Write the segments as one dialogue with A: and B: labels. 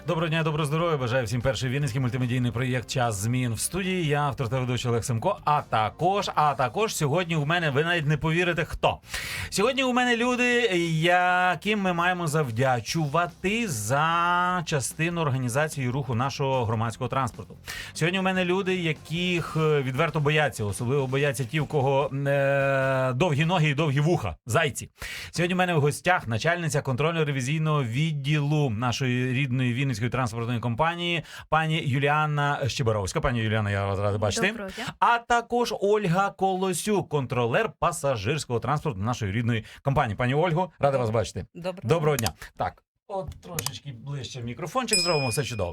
A: Доброго дня, доброго здоров'я. Бажаю всім перший вінницький мультимедійний проєкт «Час змін» в студії. Я автор та ведучий Олег Семко. А також сьогодні у мене, ви навіть не повірите, хто. Сьогодні у мене люди, яким ми маємо завдячувати за частину організації руху нашого громадського транспорту. Сьогодні у мене люди, яких відверто бояться, особливо бояться ті, у кого довгі ноги і довгі вуха, зайці. Сьогодні у мене в гостях начальниця контрольно-ревізійного відділу нашої рідної Вінницької транспортної компанії, пані Юліана Щебаровська. Пані Юліана, я вас радий бачити.
B: Доброго дня.
A: А також Ольга Колосюк, контролер пасажирського транспорту нашої рідної компанії. Пані Ольго, радий вас бачити. Доброго дня. Так. От трошечки ближче мікрофончик зробимо, все чудово.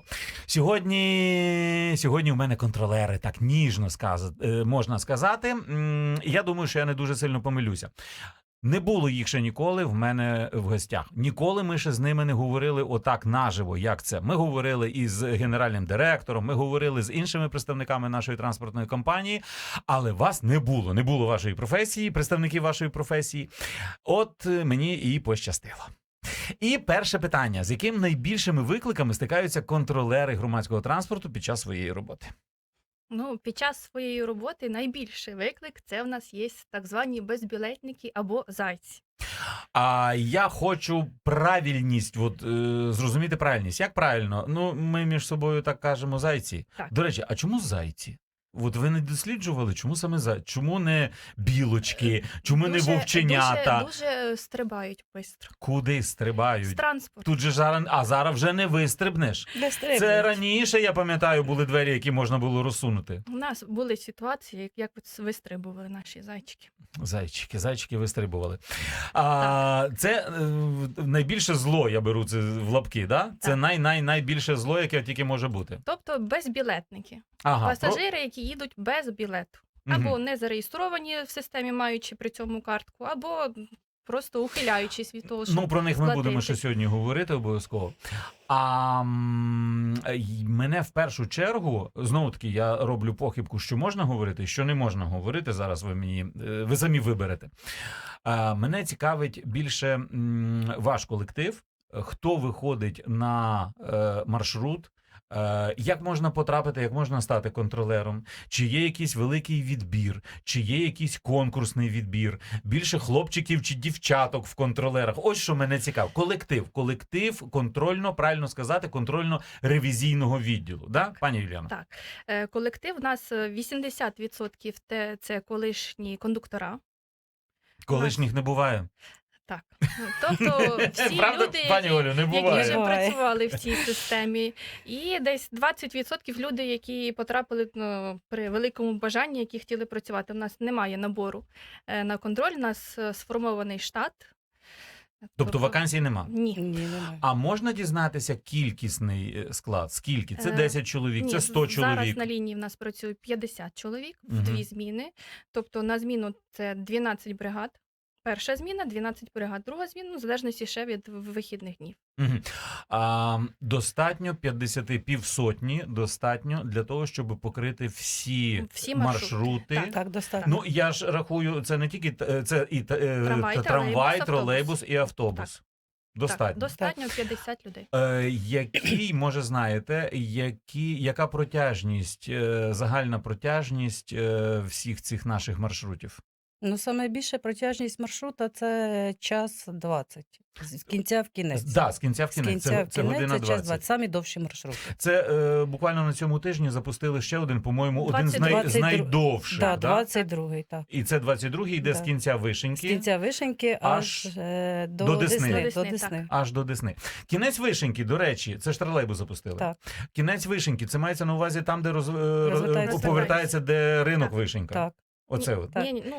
A: Сьогодні у мене контролери, так ніжно можна сказати. Я думаю, що я не дуже сильно помилюся. Не було їх ще ніколи в мене в гостях. Ніколи ми ще з ними не говорили отак наживо, як це. Ми говорили із генеральним директором, ми говорили з іншими представниками нашої транспортної компанії, але вас не було. Не було вашої професії, представників вашої професії. От мені і пощастило. І перше питання. З яким найбільшими викликами стикаються контролери громадського транспорту під час своєї роботи?
B: Ну, під час своєї роботи найбільший виклик – це в нас є так звані безбілетники або зайці.
A: А я хочу правильність, зрозуміти правильність. Як правильно? Ну, ми між собою так кажемо зайці.
B: Так.
A: До речі, а чому зайці? От ви не досліджували, чому саме зайці? Чому не білочки? Чому не вовченята?
B: Дуже стрибають швидко.
A: Куди стрибають?
B: З транспорту.
A: Тут же зараз вже не вистрибнеш. Це раніше, я пам'ятаю, були двері, які можна було розсунути.
B: У нас були ситуації, як вистрибували наші зайчики.
A: Зайчики вистрибували. Це найбільше зло, я беру це в лапки, да? Це найбільше зло, яке тільки може бути.
B: Тобто безбілетники. Пасажири, які їдуть без білету. Або не зареєстровані в системі, маючи при цьому картку, або просто ухиляючись від того, що
A: про них ми будемо ще сьогодні говорити обов'язково. А мене в першу чергу, знову-таки, я роблю похибку, що можна говорити, що не можна говорити. Зараз ви самі виберете. Мене цікавить більше ваш колектив, хто виходить на маршрут, як можна потрапити, як можна стати контролером, чи є якийсь великий відбір, чи є якийсь конкурсний відбір, більше хлопчиків чи дівчаток в контролерах. Ось що мене цікаво. Колектив правильно сказати, контрольно-ревізійного відділу. Да, пані Юліана?
B: Так. Колектив у нас 80% це колишні кондуктора.
A: Колишніх не буває.
B: Так. Тобто всі
A: Правда,
B: люди,
A: пані Олю, не буває.
B: які вже працювали в цій системі. І десь 20% люди, які потрапили при великому бажанні, які хотіли працювати. У нас немає набору на контроль, у нас сформований штат.
A: Тобто вакансій нема?
B: Ні.
C: Немає.
A: А можна дізнатися кількісний склад? Скільки? Це 10 чоловік, це 100 чоловік?
B: Зараз на лінії в нас працює 50 чоловік в дві зміни. Тобто на зміну це 12 бригад. Перша зміна, 12 бригад. Друга зміна, в залежності ще від вихідних днів.
A: Достатньо 50, півсотні, достатньо для того, щоб покрити всі маршрути.
B: Так,
C: достатньо.
A: Ну, я ж рахую, це не тільки це і
B: трамвай,
A: тролейбус і автобус.
B: Так.
A: Достатньо.
B: Так, достатньо 50 людей.
A: Може, знаєте, яка протяжність, загальна протяжність всіх цих наших маршрутів?
C: Ну, саме більша протяжність маршрута – це час 20. З кінця в кінець.
A: Так, з кінця в кінець. Це година 20.
C: Час 20. Самі довші маршрути.
A: Це буквально на цьому тижні запустили ще один, по-моєму, один з найдовших.
C: Так, 22-й, так.
A: І це 22-й йде з кінця Вишеньки.
C: З кінця Вишеньки аж до Десни.
A: Аж до Десни. Кінець Вишеньки, до речі, це ж тролейбус запустили.
C: Так.
A: Кінець Вишеньки, це мається на увазі там, де
C: Повертається
A: де ринок Вишенька.
C: Так.
A: Оце от.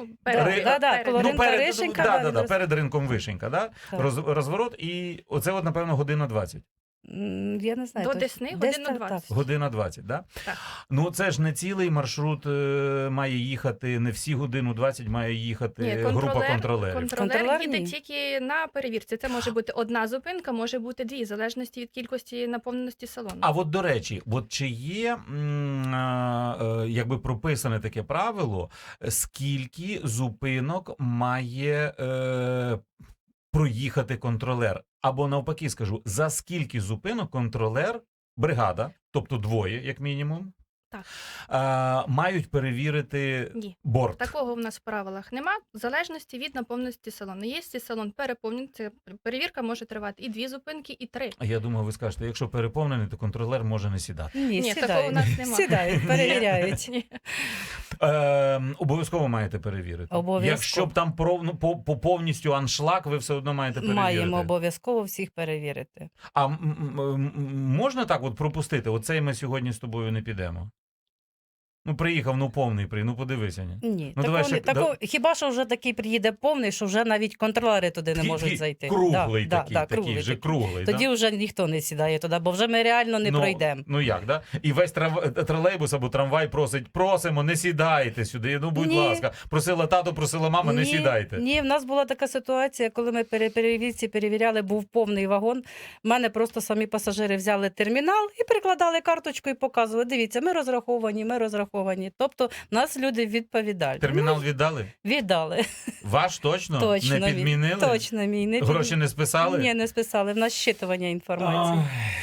B: Перед
A: ринком Вишенька, да? Розворот, і оце от, напевно, година 20.
C: Я не знаю.
B: До Десни година 20.
A: Година 20, да?
B: Так.
A: Ну, це ж не цілий маршрут має їхати, не всі годину 20 має їхати група контролерів.
B: Контролер їде тільки на перевірці. Це може бути одна зупинка, може бути дві, в залежності від кількості наповненості салону.
A: А от, до речі, чи є якби прописане таке правило, скільки зупинок має проїхати контролер? Або навпаки скажу, за скільки зупинок контролер, бригада, тобто двоє, як мінімум, мають перевірити
B: Ні.
A: борт?
B: Такого в нас в правилах нема, в залежності від наповненості салону. Якщо салон переповнений, це перевірка може тривати і 2 зупинки, і 3.
A: А я думаю, ви скажете, якщо переповнений, то контролер може не сідати.
C: Ні,
B: Ні, такого
C: сідають.
B: у нас нема.
C: Сідають, перевіряють.
B: Ні.
A: Обов'язково маєте перевірити.
C: Обов'язково.
A: Якщо б там по повністю аншлаг, ви все одно маєте перевірити.
C: Маємо обов'язково всіх перевірити.
A: А можна так от пропустити? Оцей ми сьогодні з тобою не підемо. Ну, приїхав, ну повний, ну подивися. Ні.
C: Ні,
A: Ну, давай ще-
C: хіба що вже такий приїде повний, що вже навіть контролери туди не можуть зайти.
A: Круглий
C: Да,
A: такий,
C: да,
A: такий
C: круглий
A: вже
C: такий.
A: круглий.
C: Тоді
A: да?
C: вже ніхто не сідає туди, бо вже ми реально не пройдемо.
A: Ну як, да? І весь тролейбус або трамвай просить, просимо, не сідайте сюди, ну будь
C: Ні.
A: ласка. Просила тато, просила мама, не сідайте.
C: Ні, в нас була така ситуація, коли ми перевірці перевіряли, був повний вагон. В мене просто самі пасажири взяли термінал і прикладали карточку і показували. Дивіться, ми розраховані. Тобто нас люди відповідальні.
A: Термінал віддали?
C: Віддали.
A: Ваш точно?
C: Точно
A: Не підмінили?
C: Точно мій. Не
A: Гроші не списали?
C: Ні, не списали. В нас щитування інформації.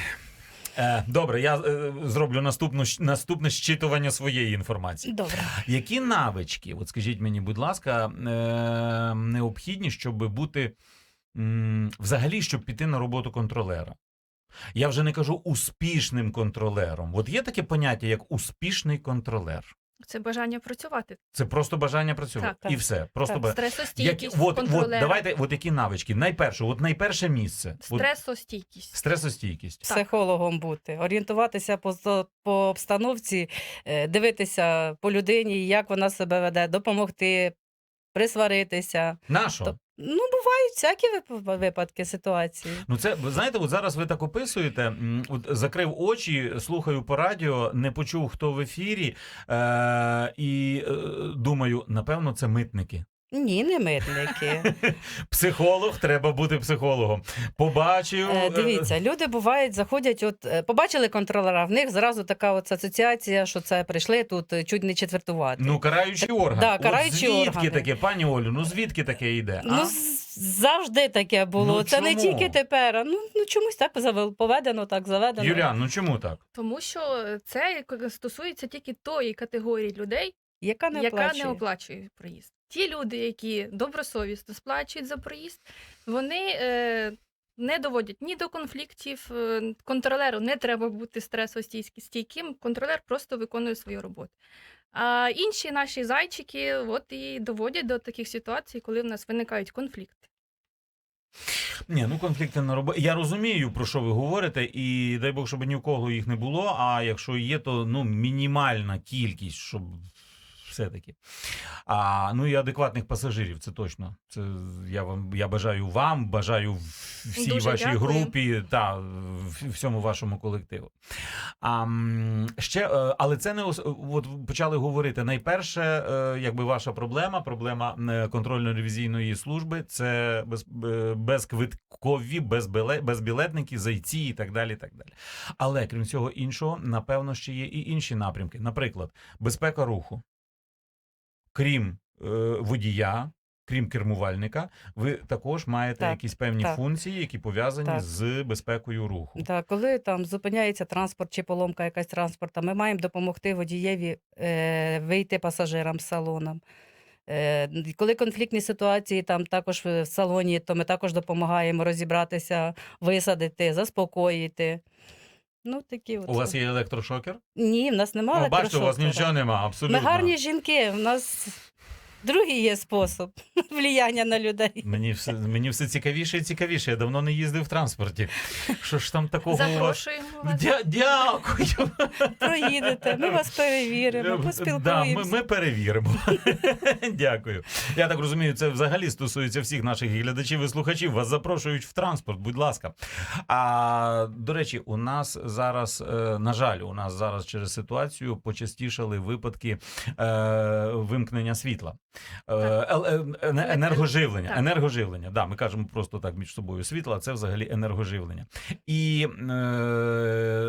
A: Добре, я зроблю наступне щитування своєї інформації.
C: Добре.
A: Які навички, от скажіть мені, будь ласка, необхідні, щоб бути, взагалі, щоб піти на роботу контролера? Я вже не кажу успішним контролером. От є таке поняття, як успішний контролер.
B: Це бажання працювати.
A: Це просто бажання працювати.
B: Так.
A: І все. Просто
C: Так.
B: Стресостійкість
A: от,
B: контролера.
A: давайте, от які навички? Найперше місце.
B: Стресостійкість.
A: Стресостійкість.
C: Психологом бути, орієнтуватися по обстановці, дивитися по людині, як вона себе веде, допомогти, присваритися.
A: Нащо?
C: Ну, бувають всякі випадки, ситуації.
A: Ну це, ви знаєте, от зараз ви так описуєте, от закрив очі, слухаю по радіо, не почув, хто в ефірі, і думаю, напевно, це митники.
C: Ні, не митники.
A: Психолог, треба бути психологом. Побачив...
C: Дивіться, люди бувають, заходять, побачили контролера, в них зразу така от асоціація, що це прийшли тут чуть не четвертувати.
A: Ну, караючий орган.
C: Да,
A: От
C: караючі
A: звідки
C: органи.
A: таке, пані Олю, ну звідки таке йде?
C: Ну, завжди таке було.
A: Ну,
C: це не
A: чому?
C: тільки тепер. Ну чомусь так поведено, так заведено.
A: Юліан, ну чому так?
B: Тому що це стосується тільки тої категорії людей,
C: яка не
B: яка
C: оплачує.
B: не оплачує проїзд. Ті люди, які добросовісно сплачують за проїзд, вони не доводять ні до конфліктів. Контролеру не треба бути стресостійким, контролер просто виконує свою роботу. А інші наші зайчики от і доводять до таких ситуацій, коли в нас виникають конфлікти.
A: Ні, ну конфлікти на роботі. Я розумію, про що ви говорите, і дай Бог, щоб ні в кого їх не було, а якщо є, то ну, мінімальна кількість, щоб все-таки. Ну і адекватних пасажирів, це точно. Це я бажаю вам, бажаю всій
B: Дуже
A: вашій
B: дякую.
A: групі та всьому вашому колективу. Але це не от почали говорити. Найперше, якби ваша проблема контрольно-ревізійної служби, це безквиткові, безбілетники, зайці і так далі, і так далі. Але крім цього іншого, напевно, ще є і інші напрямки. Наприклад, безпека руху. Крім водія, крім кермувальника, ви також маєте
C: Так,
A: якісь певні
C: так.
A: функції, які пов'язані
C: Так.
A: з безпекою руху.
C: Так, коли там зупиняється транспорт чи поломка якась транспорту, ми маємо допомогти водієві вийти пасажирам з салоном. Коли конфліктні ситуації там також в салоні, то ми також допомагаємо розібратися, висадити, заспокоїти. Ну, такі от.
A: У вас є електрошокер?
C: Ні, в нас немає
A: Бачите, у вас
C: електрошокера.
A: нічого нема, абсолютно.
C: Ми гарні жінки, в нас другий є спосіб влияння на людей.
A: Мені все цікавіше і цікавіше. Я давно не їздив в транспорті. Що ж там такого у вас?
B: Запрошуємо вас.
A: Дякую.
C: Проїдете, ми вас перевіримо,
A: Да,
C: поспілкуємося.
A: ми перевіримо. Дякую. Я так розумію, це взагалі стосується всіх наших глядачів і слухачів. Вас запрошують в транспорт, будь ласка. До речі, у нас зараз, на жаль, через ситуацію почастішали випадки вимкнення світла. Енергоживлення.
B: Так.
A: Енергоживлення. Да, ми кажемо просто так між собою світло, а це взагалі енергоживлення. І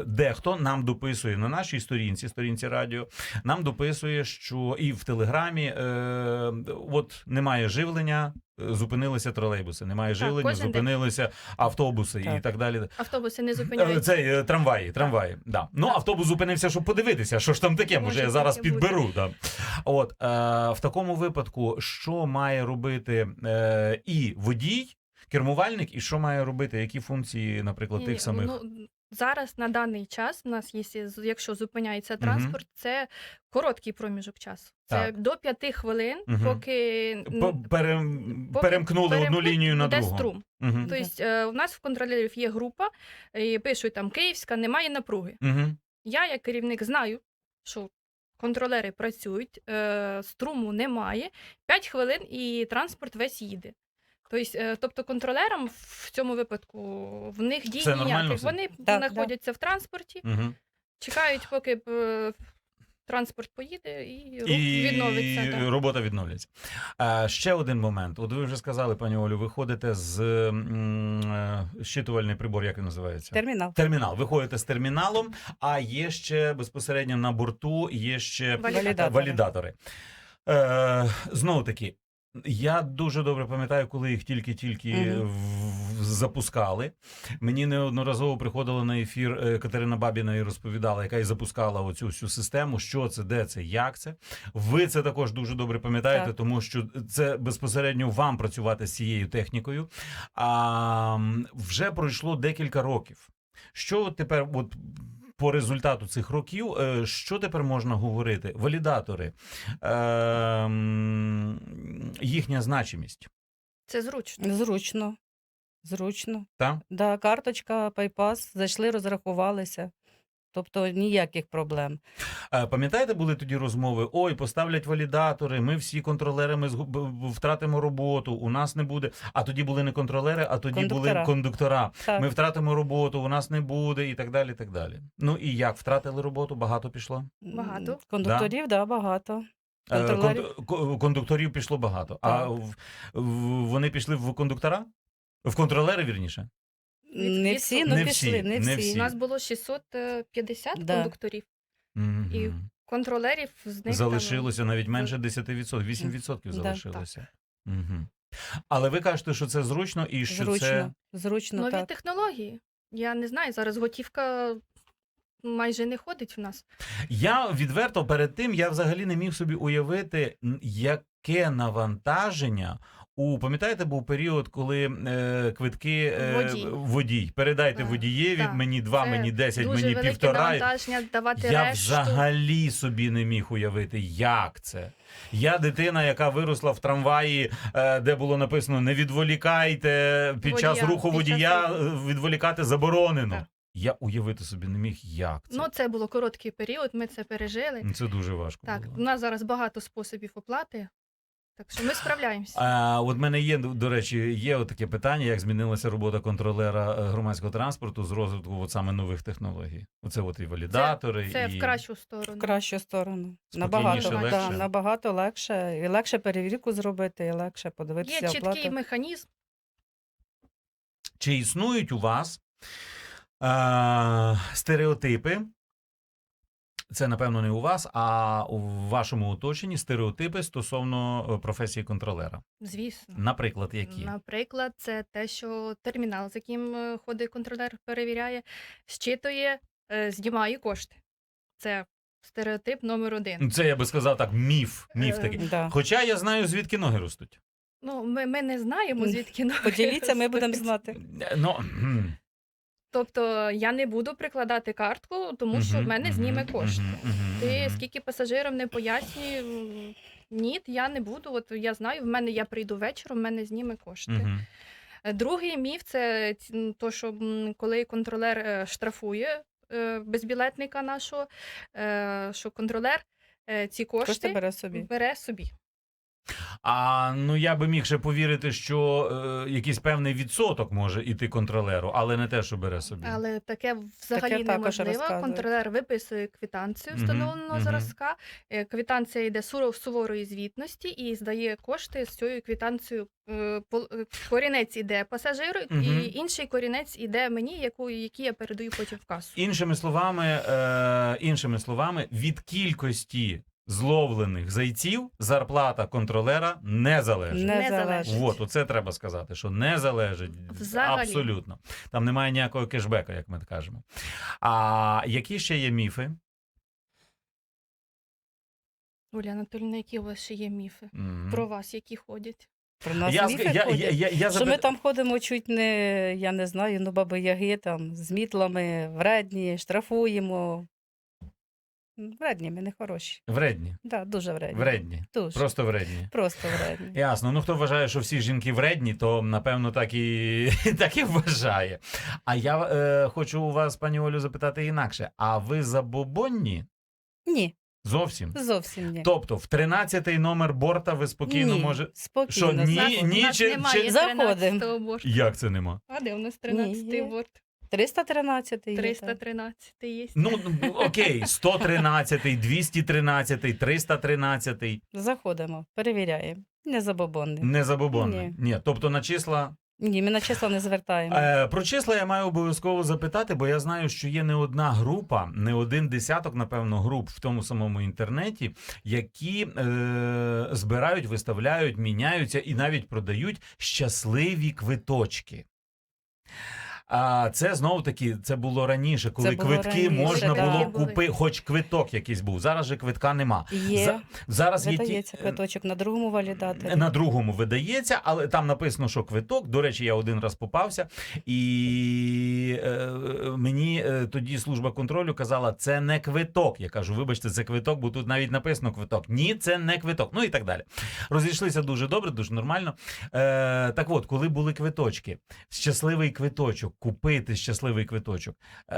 A: дехто нам дописує на нашій сторінці радіо, нам дописує, що і в Телеграмі от немає живлення, зупинилися тролейбуси, немає живлення,
B: кожен день.
A: зупинилися автобуси і
C: Так.
A: так далі.
B: Автобуси не зупиняються.
A: Це трамваї. Да. Ну, автобус зупинився, щоб подивитися, що ж там таке, може я зараз
B: таке бути.
A: підберу. Да. От, в такому випадку, що має робити і водій, кермувальник, і що має робити, які функції, наприклад,
B: Ні,
A: тих самих?
B: ну, зараз на даний час у нас є, якщо зупиняється
A: Мгм.
B: транспорт, це короткий проміжок часу. Це
A: Так.
B: до 5 хвилин,
A: Мгм.
B: поки
A: Перемкнули одну
B: перемкнуть,
A: лінію на
B: йде
A: другу.
B: струм.
A: Угу.
B: Тобто у нас в контролерів є група, і пишуть там Київська, немає напруги.
A: Угу.
B: Я, як керівник, знаю, що контролери працюють, струму немає, 5 хвилин і транспорт весь їде. Тобто контролерам в цьому випадку в них дій
A: Це нормально
B: ніяких.
A: все?
B: Вони
C: Так,
B: знаходяться в транспорті,
A: Угу.
B: чекають, поки транспорт поїде і рух відновиться. Так.
A: робота відновлюється. Ще один момент. От ви вже сказали, пані Олю, ви ходите з щитувальний прибор, як він називається?
C: Термінал.
A: Термінал. Ви ходите з терміналом, а є ще безпосередньо на борту, є ще валідатори. Знову таки, я дуже добре пам'ятаю, коли їх тільки запускали. Мені неодноразово приходила на ефір Катерина Бабіна і розповідала, яка і запускала оцю всю систему, що це, де це, як це. Ви це також дуже добре пам'ятаєте,
C: Так.
A: тому що це безпосередньо вам працювати з цією технікою. Вже пройшло декілька років. Що тепер, от по результату цих років, що тепер можна говорити? Валідатори, їхня значимість.
B: Це зручно.
C: Зручно.
A: Так?
C: Да, карточка, пайпас, зайшли, розрахувалися. Тобто ніяких проблем.
A: Пам'ятаєте, були тоді розмови? Ой, поставлять валідатори, ми всі контролери, ми втратимо роботу, у нас не буде. А тоді були не контролери, а тоді були кондуктора.
C: Так.
A: Ми втратимо роботу, у нас не буде і так далі, і так далі. Ну і як, втратили роботу? Багато пішло?
B: Багато.
C: Кондукторів, да, багато. Контролерів.
A: Кондукторів пішло багато. А
C: Так.
A: вони пішли в кондуктора? В контролери, вірніше?
C: Не всі,
A: Не
C: ну
A: всі,
C: пішли, не
A: не
C: всі.
A: всі.
B: У нас було 650
C: Да.
B: кондукторів,
A: Мгм.
B: і контролерів з них
A: Залишилося навіть менше 10%, 8%
C: Да,
A: залишилося. Угу. Але ви кажете, що це зручно і що
C: Зручно,
A: це...
C: зручно,
B: нові
C: так.
B: технології. Я не знаю, зараз готівка майже не ходить в нас.
A: Я відверто перед тим, я взагалі не міг собі уявити, яке навантаження пам'ятаєте, був період, коли квитки водій. Передайте
B: Так,
A: водієві,
B: так.
A: мені 2,
B: Це
A: мені 10,
B: дуже
A: мені
B: велике
A: 1,5.
B: навантаження давати
A: Я
B: решту.
A: взагалі собі не міг уявити, як це. Я дитина, яка виросла в трамваї, де було написано «Не відволікайте, під час
B: Водія,
A: руху
B: під час
A: водія
B: руху.
A: відволікати заборонено».
B: Так.
A: Я уявити собі не міг, як це.
B: Ну, це було короткий період, ми це пережили.
A: Це дуже важко
B: Так,
A: було.
B: у нас зараз багато способів оплати, так що ми справляємося.
A: От в мене є, до речі, є таке питання, як змінилася робота контролера громадського транспорту з розвитку от саме нових технологій. Оце от і валідатори,
B: Це
A: і...
B: в кращу сторону.
C: В кращу сторону.
A: Спокійніше, легше.
C: Набагато легше. І легше перевірку зробити, і легше подивитися
B: Є чіткий
C: оплату.
B: механізм.
A: Чи існують у вас стереотипи? Це, напевно, не у вас, а у вашому оточенні стереотипи стосовно професії контролера.
B: Звісно.
A: Наприклад, які?
B: Наприклад, це те, що термінал, з яким ходить контролер, перевіряє, щитує, знімає кошти. Це стереотип номер 1.
A: Це, я би сказав так, міф такий.
C: Да.
A: Хоча я знаю, звідки ноги ростуть.
B: Ну, ми не знаємо, звідки ноги
C: Поділіться, ми
B: ростуть.
C: будемо знати.
A: Ну,
B: Тобто я не буду прикладати картку, тому що в мене зніме кошти. Ти скільки пасажирам не пояснюй, ні, я не буду. От я знаю, я прийду вечором, в мене зніме кошти. Другий міф – це то, що коли контролер штрафує безбілетника нашого, що контролер ці кошти
C: Бере собі.
B: бере собі.
A: Ну я би міг ще повірити, що якийсь певний відсоток може іти контролеру, але не те, що бере собі.
B: Але таке взагалі
C: Таке також
B: неможливо.
C: розказують.
B: Контролер виписує квитанцію
A: Мгм,
B: встановленого
A: мгм.
B: зразка. Квитанція йде суворої звітності і здає кошти з цією квитанцією. Корінець іде пасажиру,
A: Мгм.
B: і інший корінець іде мені, який я передаю потім в касу.
A: Іншими словами, від кількості зловлених зайців зарплата контролера не залежить.
C: Не
B: Не
C: залежить.
B: залежить.
A: От, оце треба сказати, що не залежить
B: Взагалі.
A: абсолютно. Там немає ніякого кешбека, як ми кажемо. А які ще є міфи?
B: Оля Анатолійовна, які у вас ще є міфи?
A: Мгм.
B: Про вас, які ходять?
C: Про нас
A: Я,
C: міфи
A: я,
C: ходять.
A: я, я,
C: Що ми там ходимо чуть не, я не знаю, ну баби-яги там з мітлами, вредні, штрафуємо. Вредні, ми не хороші.
A: Вредні.
C: Да, дуже вредні.
A: Вредні.
C: Дуже.
A: Просто вредні.
C: Просто вредні.
A: Ясно. Ну, хто вважає, що всі жінки вредні, то, напевно, так і, так і вважає. А я хочу у вас, пані Олю, запитати інакше. А ви забобонні?
C: Ні,
A: Зовсім?
C: зовсім ні.
A: Тобто, в 13-й номер борта ви спокійно
C: ні,
A: може...
C: спокійно.
A: Що, ні?
B: У нас
A: чи-
B: немає
A: чи-
B: 13-го борту.
A: Як це нема?
B: А де у нас 13-й
C: є.
B: борт?
C: 313 є.
B: 313 є.
A: Ну, окей, 113-й, 213-й, 313-й.
C: Заходимо, перевіряємо. Не забобонний.
A: Не забобонний.
C: Ні.
A: Ні, тобто на числа...
C: Ні, ми на числа не звертаємо.
A: Про числа я маю обов'язково запитати, бо я знаю, що є не одна група, не один десяток, напевно, груп в тому самому інтернеті, які збирають, виставляють, міняються і навіть продають щасливі квиточки. А це знову-таки, це було раніше, коли
C: Це було
A: квитки
C: раніше,
A: можна
C: да.
A: було
B: Були.
A: купити, хоч квиток якийсь був. Зараз же квитка нема.
C: Є,
A: Зараз є
C: видається квиточок на другому валідаторі.
A: на другому видається, але там написано, що квиток. До речі, я один раз попався, і мені тоді служба контролю казала, це не квиток. Я кажу, вибачте, це квиток, бо тут навіть написано квиток. Ні, це не квиток. Ну і так далі. Розійшлися дуже добре, дуже нормально. Так от, коли були квиточки, щасливий квиточок, купити щасливий квиточок,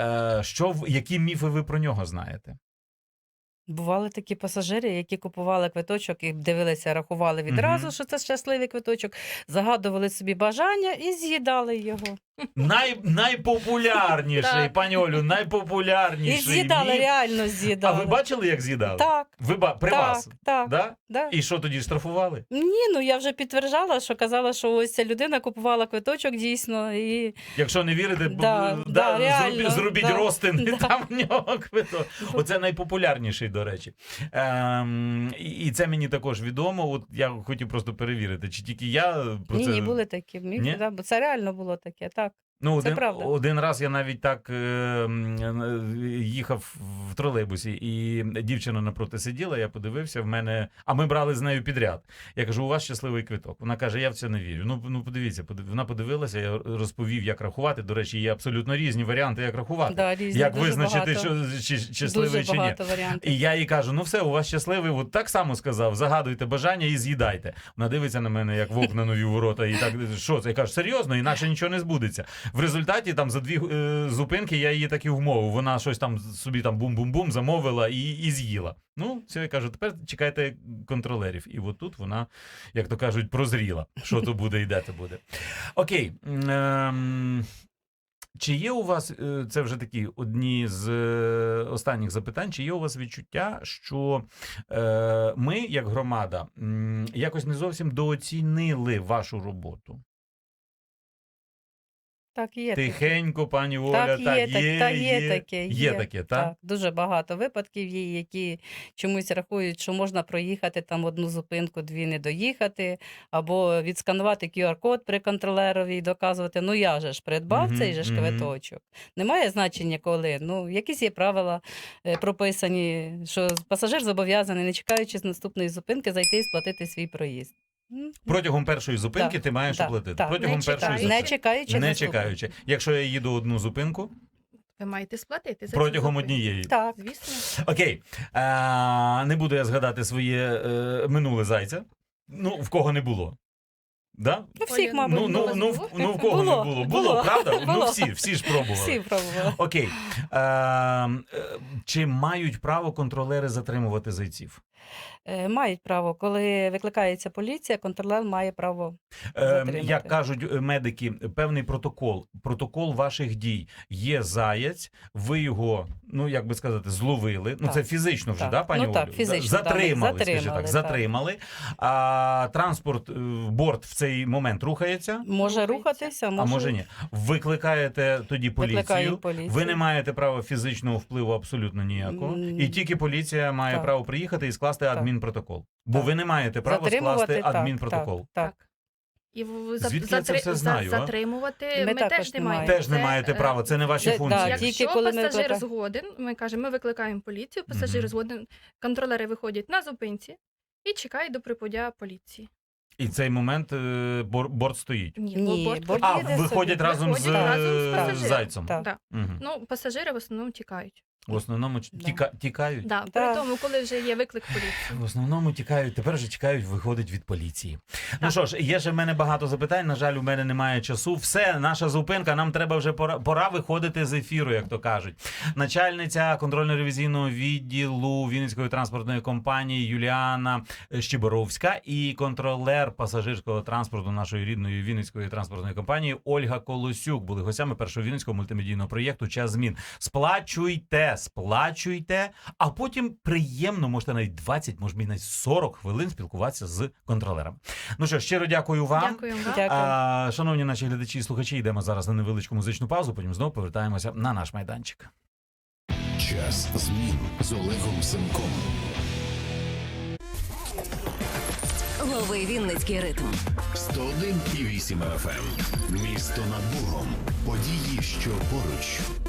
A: які міфи ви про нього знаєте?
C: Бували такі пасажири, які купували квиточок і дивилися, рахували відразу,
A: Мгм.
C: що це щасливий квиточок, загадували собі бажання і з'їдали його.
A: Найпопулярніший,
B: Так.
A: пані Олю,
C: І
A: найпопулярніший
C: з'їдали,
A: міф.
C: реально
A: А
C: з'їдали.
A: ви бачили, як з'їдали?
C: Так,
A: При
C: так,
A: вас?
C: так.
A: Да?
C: Да.
A: І що тоді штрафували?
C: Ні, ну я вже підтверджала, що казала, що ось ця людина купувала квиточок дійсно. І...
A: Якщо не вірите,
C: реально,
A: зробіть
C: да,
A: розтин, і
C: да.
A: там в нього квиток. Оце найпопулярніший, до речі. І це мені також відомо. От я хотів просто перевірити, чи тільки я про
C: Ні,
A: це...
C: ні, були такі міфи,
A: Ні?
C: да, бо це реально було таке, так.
A: Ну,
C: Це правда.
A: один раз я навіть так їхав в тролейбусі, і дівчина напроти сиділа, я подивився, в мене... А ми брали з нею підряд. Я кажу, у вас щасливий квиток. Вона каже, я в це не вірю. Ну подивіться, вона подивилася, я розповів, як рахувати. До речі, є абсолютно різні варіанти, як рахувати.
C: Да, різні,
A: Як
C: дуже
A: визначити,
C: багато.
A: що щасливий
C: Дуже
A: чи ні.
C: багато варіантів.
A: І я їй кажу, ну все, у вас щасливий, от так само сказав, загадуйте бажання і з'їдайте. Вона дивиться на мене, як вовк на нові ворота, і так, що це? Я кажу, серйозно, інакше нічого не збудеться. В результаті там за 2 зупинки я її так і вмовив. Вона щось там собі там бум-бум-бум замовила і з'їла. Ну, все, я кажу, тепер чекайте контролерів. І от тут вона, як то кажуть, прозріла, що то буде і де то буде. Окей. Чи є у вас, це вже такі одні з останніх запитань, чи є у вас відчуття, що ми, як громада, якось не зовсім дооцінили вашу роботу?
C: Так, є таке.
A: Тихенько, пані Оля,
C: Так, є, є таке.
A: Є таке, так?
C: Так, дуже багато випадків є, які чомусь рахують, що можна проїхати там одну зупинку, 2 не доїхати, або відсканувати QR-код при контролерові і доказувати, ну я же ж придбав
A: Мгм,
C: цей же ж
A: мгм.
C: квиточок. Немає значення коли. Ну, якісь є правила прописані, що пасажир зобов'язаний, не чекаючи з наступної зупинки, зайти і сплатити свій проїзд.
A: Протягом першої зупинки
C: Так,
A: ти маєш
C: так,
A: оплатити.
C: так.
A: Протягом
B: Не
A: першої
B: чекаючи.
A: зупинки.
C: Не чекаючи
A: Не
C: наступної.
A: чекаючи. Якщо я їду одну зупинку,
B: Ви маєте сплатити за цю
A: протягом
B: зупинку.
A: однієї.
C: Так.
B: Звісно.
A: Окей. Не буду я згадати своє минуле зайця. Ну, в кого не було. Да?
C: Ну, всіх,
B: Оля,
C: мабуть,
A: Ну,
C: було.
A: в кого не було? Було, правда? Ну,
C: Було.
A: всі ж пробували.
C: Всі пробували.
A: Окей. Чи мають право контролери затримувати зайців?
C: Мають право. Коли викликається поліція, контролер має право затримати.
A: Як кажуть медики, певний протокол ваших дій. Є заяць, ви його, ну, як би сказати, зловили. Ну,
C: Так.
A: це фізично вже,
C: Так.
A: да, пані
C: Ну, так,
A: Олю?
C: фізично,
A: Затримали,
C: так,
A: скажімо так,
C: так.
A: затримали. А транспорт, борт в цей момент рухається?
C: Може
B: Рухається.
C: рухатися,
A: А може ні. Викликаєте тоді поліцію.
C: Викликають поліцію.
A: Ви не маєте права фізичного впливу абсолютно ніякого. І тільки поліція має
C: Так.
A: право приїхати і скласти
C: Так.
A: адмінпротокол. Бо
C: Так.
A: ви не маєте права
C: Затримувати,
A: скласти
C: так,
A: адмінпротокол.
C: Так.
B: І
A: Звідки я це все знаю, а?
B: затримувати
C: Ми
B: ми
C: також
B: теж не
C: не
B: маємо.
A: Теж не
B: Це,
A: маєте права, це не ваші
C: це-
A: функції.
C: да,
B: Якщо
C: тільки коли ми
B: пасажир
C: викликаємо-
B: згоден, ми кажемо, ми викликаємо поліцію, пасажир
A: Мгм.
B: згоден, контролери виходять на зупинці і чекають до прибуття поліції.
A: І цей момент борт стоїть.
C: Ні,
B: борт
C: борт
A: А,
C: їде
A: виходять
C: собі.
A: разом з
B: Виходять разом з пасажиром.
A: зайцем.
C: Так.
B: Да.
A: Мгм.
B: Ну, пасажири в основному тікають.
A: В основному
C: Да.
A: тікають.
B: Да.
C: Да.
B: При тому, коли вже є виклик поліції.
A: В основному тікають, тепер вже чекають, виходить від поліції. Ну
B: Так.
A: що ж, є ще в мене багато запитань. На жаль, у мене немає часу. Все, наша зупинка. Нам треба вже пора виходити з ефіру, як то кажуть. Начальниця контрольно-ревізійного відділу Вінницької транспортної компанії Юліана Щеборовська і контролер пасажирського транспорту нашої рідної Вінницької транспортної компанії Ольга Колосюк були гостями першого вінницького мультимедійного проєкту «Час змін». Сплачуйте, а потім приємно, можете навіть 20, може навіть 40 хвилин спілкуватися з контролером. Ну що, щиро дякую вам.
B: Дякуємо вам.
C: Дякую.
A: Шановні наші глядачі і слухачі, йдемо зараз на невеличку музичну паузу, потім знову повертаємося на наш майданчик.
D: Час змін з Олегом Семком.
E: Лови Вінницький ритм.
D: 101,8 FM. Місто над Богом. Події, що поруч.